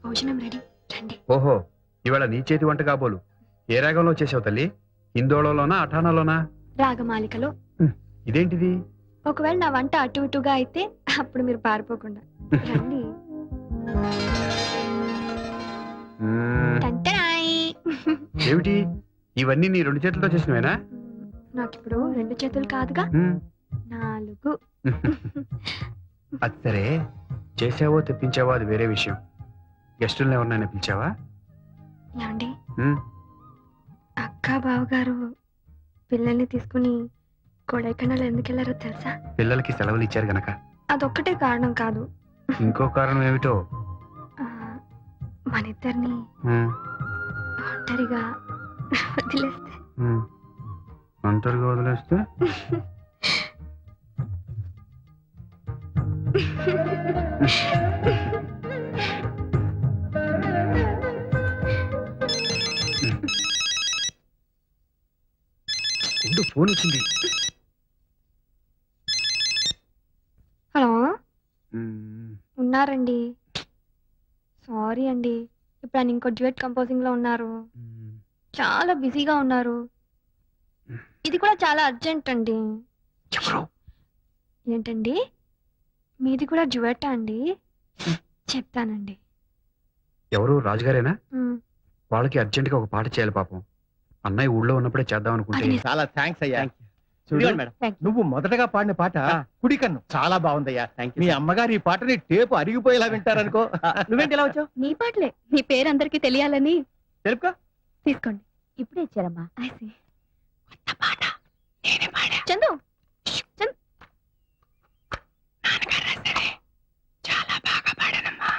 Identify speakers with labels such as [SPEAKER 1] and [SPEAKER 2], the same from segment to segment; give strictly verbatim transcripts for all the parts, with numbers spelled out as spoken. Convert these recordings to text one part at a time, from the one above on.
[SPEAKER 1] భోజనం రెడీ రండి.
[SPEAKER 2] ఓహో, ఇవాళ నీ చేతి వంట కాబోలు. ఏ రాగంలో చేసావు తల్లి? హిందోళలోనా అఠానాలోనా?
[SPEAKER 1] రాగమాలికలో.
[SPEAKER 2] ఇదేంటిది?
[SPEAKER 1] ఒకవేళ నా వంట అటు ఇటుగా అయితే అప్పుడు మీరు పారిపోకుండా రండి.
[SPEAKER 2] ఏమిటి ఇవన్నీ నీ రెండు చేతులతో చేసినవేనా?
[SPEAKER 1] నాకిప్పుడు రెండు చేతులు కాదుగా, నాలుగు.
[SPEAKER 2] అది సరే, చేసావో తెప్పించావో అది వేరే విషయం. గెస్టులను ఎవరినైనా పిలిచావా?
[SPEAKER 1] ఏమండి, అక్క బావగారు పిల్లల్ని తీసుకుని కొడైకెనాల్ ఎందుకు వెళ్ళారో తెలుసా?
[SPEAKER 2] పిల్లలకి సెలవులు ఇచ్చారు గనక.
[SPEAKER 1] అదొక్కటే కారణం కాదు,
[SPEAKER 2] ఇంకో కారణం ఏమిటో.
[SPEAKER 1] మన ఇద్దరిని ఒంటరిగా వదిలేస్తే.
[SPEAKER 2] ఒంటరిగా వదిలేస్తే? ఫోన్ వచ్చింది.
[SPEAKER 1] హలో, ఉన్నారండి? సారీ అండి, ఇప్పుడు ఆయన ఇంకో డ్యూయట్ కంపోజింగ్ లో ఉన్నారు, చాలా బిజీగా ఉన్నారు. ఇది కూడా చాలా అర్జెంట్ అండి. ఏంటండి, మీది కూడా డ్యూయట్ అండి? చెప్తానండి.
[SPEAKER 3] ఎవరు? రాజుగారేనా? వాళ్ళకి అర్జెంట్ గా ఒక పాట చేయాలి పాపం. అన్నయ్య ఊళ్ళో ఉన్నప్పుడే చేద్దాం అనుకుంటే.
[SPEAKER 4] చాలా థ్యాంక్స్ అయ్యా. నువ్వు మొదటగా పాడిన పాట కుడికన్ను చాలా బాగుందయ్యా. మీ అమ్మగారు ఈ పాటని టేపు అరిగిపోయేలా వింటారనుకో. నువ్వేంటి ఇలా వచ్చావు?
[SPEAKER 1] నీ పాటలే, నీ పేరు అందరికి తెలియాలని.
[SPEAKER 4] తెలుపుకో.
[SPEAKER 1] తీసుకోండి. ఇప్పుడే ఇచ్చారమ్మా. చందు,
[SPEAKER 4] చాలా బాగా పాడానమ్మా.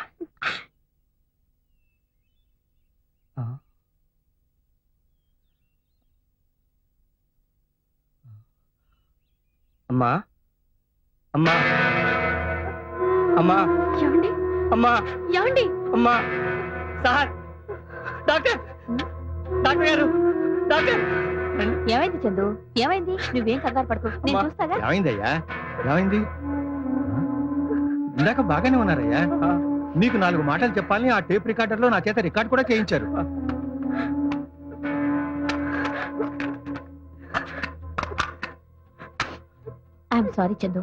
[SPEAKER 4] అమ్మా అమ్మా అమ్మా
[SPEAKER 1] ఏమండి?
[SPEAKER 4] అమ్మా
[SPEAKER 1] ఏమండి?
[SPEAKER 4] అమ్మా సార్, డాక్టర్ డాక్టర్ గారు, డాక్టర్.
[SPEAKER 1] ఏమైంది చందు? ఏమైంది? నువ్వేం కంగారు పడుకో, నేను చూస్తాగా.
[SPEAKER 4] ఏమైందయ్యా? ఏమైంది? ఇందాక బాగానే ఉన్నారయ్యా. నీకు నాలుగు మాటలు చెప్పాలని ఆ టేప్ రికార్డర్ లో నా చేత రికార్డ్ కూడా చేయించారు.
[SPEAKER 1] I'm sorry Chandu.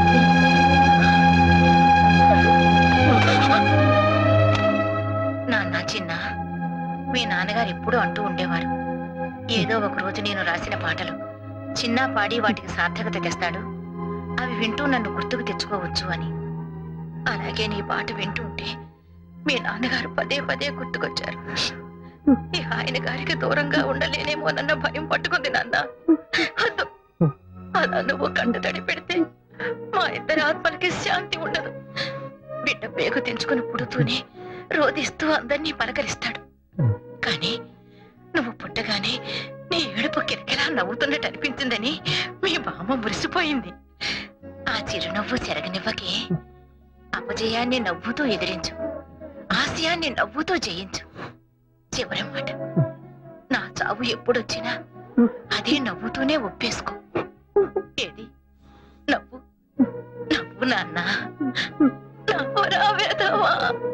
[SPEAKER 5] నాన్న, చిన్న, మీ నాన్నగారు ఎప్పుడూ అంటూ ఉండేవారు, ఏదో ఒక రోజు నేను రాసిన పాటలు చిన్న పాడి వాటికి సార్థకత తెస్తాడు, అవి వింటూ నన్ను గుర్తుకు తెచ్చుకోవచ్చు అని. అలాగే నీ పాట వింటూ ఉంటే మీ నాన్నగారు పదే పదే గుర్తుకొచ్చారు. ఈ ఆయన గారికి దూరంగా ఉండలేనేమోనన్న భయం పట్టుకుంది నాన్న. అలా నువ్వు కంట తడి పెడితే మా ఇద్దరి ఆత్మలకి శాంతి ఉండదు. బిడ్డ పేగు తెంచుకుని పుడుతూనే రోధిస్తూ అందరినీ పలకరిస్తాడు. కానీ నువ్వు పుట్టగానే నీ ఏడుపు కిరకిలా నవ్వుతున్నట్టు అనిపించిందని మీ బామ్మ మురిసిపోయింది. ఆ చిరునవ్వు చెరగనివ్వకే. అపజయాన్ని నవ్వుతూ ఎదిరించు, ఆశయాన్ని నవ్వుతూ జయించు. చివరి మాట, నా చావు ఎప్పుడొచ్చినా అదే నవ్వుతూనే ఒప్పేసుకో. ఏది? నవ్వు నవ్వు నాన్న, నవ్వు రావేదవా.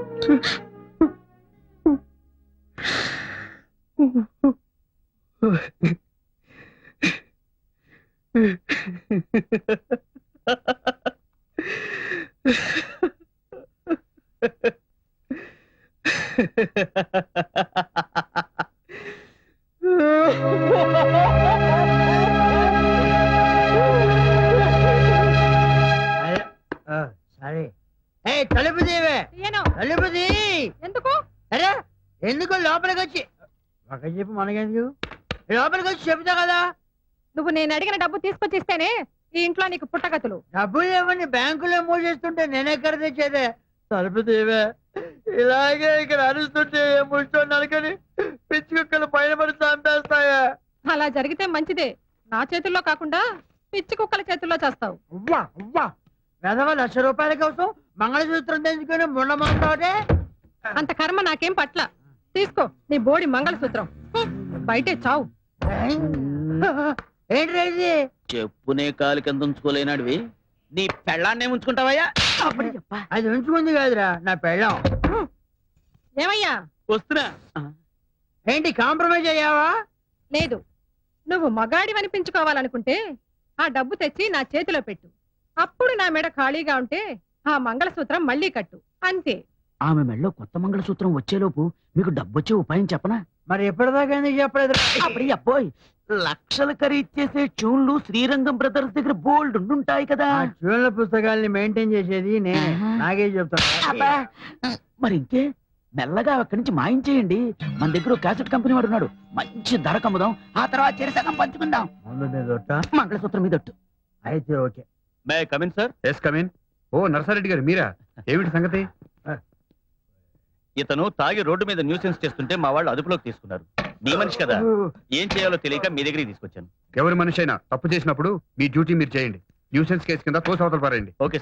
[SPEAKER 6] సరే, తలుపు తీవే. తలుపు తీ.
[SPEAKER 1] ఎందుకు?
[SPEAKER 6] అరే ఎందుకు? లోపలికి వచ్చి ఒక చెప్పు, మనకెందుకు? లోపలికి వచ్చి చెప్తా కదా.
[SPEAKER 1] నువ్వు నేను అడిగిన డబ్బు తీసుకొచ్చి ఇస్తేనే ఈ ఇంట్లో నీకు పుట్టగతులు.
[SPEAKER 6] డబ్బులు ఏమని బ్యాంకులో మూసేస్తుంటే నేనెక్కడ తెచ్చేదే? తలుపు తీవే. ఇలాగే ఇక్కడ అరుస్తుంటే ముడుచున్నాను కానీ పిచ్చి కుక్కలు పైన పడి చంపేస్తాయా?
[SPEAKER 1] అలా జరిగితే మంచిదే, నా చేతుల్లో కాకుండా పిచ్చి కుక్కల చేతుల్లో చేస్తావు.
[SPEAKER 6] అవ్వా అవ్వా, వెధవ లక్ష రూపాయల కోసం మంగళసూత్రం తెంచుకొని ముండమంటావుటే.
[SPEAKER 1] అంత కర్మ నాకేం పట్ల. తీసుకో నీ బోడి మంగళసూత్రం, బయటే చావు.
[SPEAKER 6] ఏంటి?
[SPEAKER 7] చెప్పునే కాలు కింద ఉంచుకోలేనాడివి, నీ పెళ్ళాన్నే ఉంచుకుంటావయ్యా?
[SPEAKER 6] అది ఉంచుకుంది కాదురా నా పెళ్ళం.
[SPEAKER 8] ఏమయ్యా?
[SPEAKER 7] వస్తున్నా
[SPEAKER 6] ఏంటి కాంప్రమైజ్ అయ్యావా?
[SPEAKER 8] లేదు, నువ్వు మగాడి అనిపించుకోవాలనుకుంటే ఆ డబ్బు తెచ్చి నా చేతిలో పెట్టు. అప్పుడు నా మెడ ఖాళీగా ఉంటే ఆ మంగళసూత్రం మళ్ళీ కట్టు, అంతే.
[SPEAKER 7] ఆమె మెళ్ళలో కొత్త మంగళసూత్రం వచ్చేలోపు మీకు డబ్బొచ్చే ఉపాయం చెప్పనా?
[SPEAKER 6] మరి ఎప్పటిదాకా ఎందుకు చెప్పలేదు?
[SPEAKER 7] అప్పుడు అబ్బోయ్, లక్షలు ఖరీదు చేసే ట్యూన్లు శ్రీరంగం బ్రదర్స్ దగ్గర బోల్డ్ ఉండుంటాయి కదా.
[SPEAKER 6] ఆ ట్యూన్ల పుస్తకాల్ని మెయింటైన్ చేసేది నేనే. నాగే చెప్తాను.
[SPEAKER 7] అబ్బా, మరి ఇంకే మెల్లగా అక్కడి నుంచి మాయించేయండి. మన దగ్గర ఒక క్యాసెట్ కంపెనీ వాడు ఉన్నాడు, మంచి ధర కమ్ముదాం, ఆ తర్వాత చెరిసగం పంచుకుందాం.
[SPEAKER 6] ముందు మీద ఒట్ట.
[SPEAKER 7] మంగళసూత్రం మీద ఒట్టు.
[SPEAKER 6] అయితే okay.
[SPEAKER 4] May come in sir.
[SPEAKER 3] Yes come in. ఓ నరసారెడ్డి గారు మీరా? ఏమిటి సంగతి?
[SPEAKER 4] ఇతను తాగి రోడ్డు మీద న్యూసెన్స్ చేస్తుంటే మా వాళ్ళు అదుపులోకి తీసుకున్నారు. మీ మనిషి కదా, ఏం చేయాలో తెలియక మీ దగ్గరికి తీసుకొచ్చాను.
[SPEAKER 3] ఎవరి మనిషి అయినా తప్పు చేసినప్పుడు మీ డ్యూటీ మీరు చేయండి. న్యూసెన్స్ కేసు కింద తోసి అవతల పారేయండి.
[SPEAKER 4] ఓకే